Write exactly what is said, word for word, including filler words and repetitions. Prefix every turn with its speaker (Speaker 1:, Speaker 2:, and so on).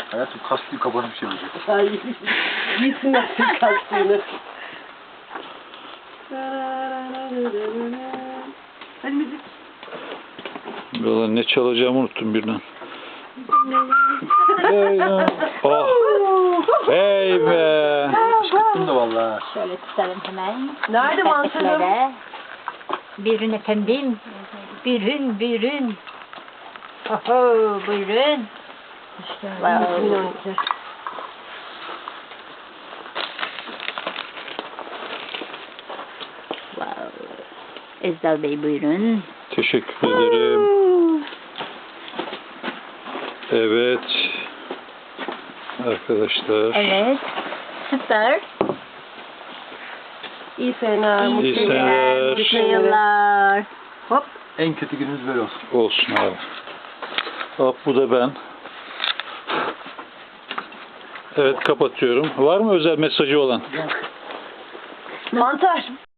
Speaker 1: Hayatım kastıyı kapanıp bir şey olacak.
Speaker 2: Ay, gitsinler kastığını. Hadi müzik.
Speaker 3: Valla ne çalacağımı unuttum birden. Oh. Hey be.
Speaker 1: Kışkırttım da valla.
Speaker 4: Şöyle tutalım hemen.
Speaker 2: Nerede mantarım?
Speaker 4: Sepetlere. Buyurun efendim. Buyurun, buyurun. Oho, buyurun. Wow. Wow. Ezdal Bey buyurun.
Speaker 3: Teşekkür ederim. Evet. Arkadaşlar.
Speaker 4: Evet. Süper.
Speaker 2: İyi seneler.
Speaker 4: İyi
Speaker 3: İyi
Speaker 4: seneler.
Speaker 3: seneler.
Speaker 4: Mutlu yıllar. Hop.
Speaker 1: En kötü günümüz böyle olsun.
Speaker 3: Olsun abi. Hop bu da ben. Evet kapatıyorum. Var mı özel mesajı olan?
Speaker 2: Mantar.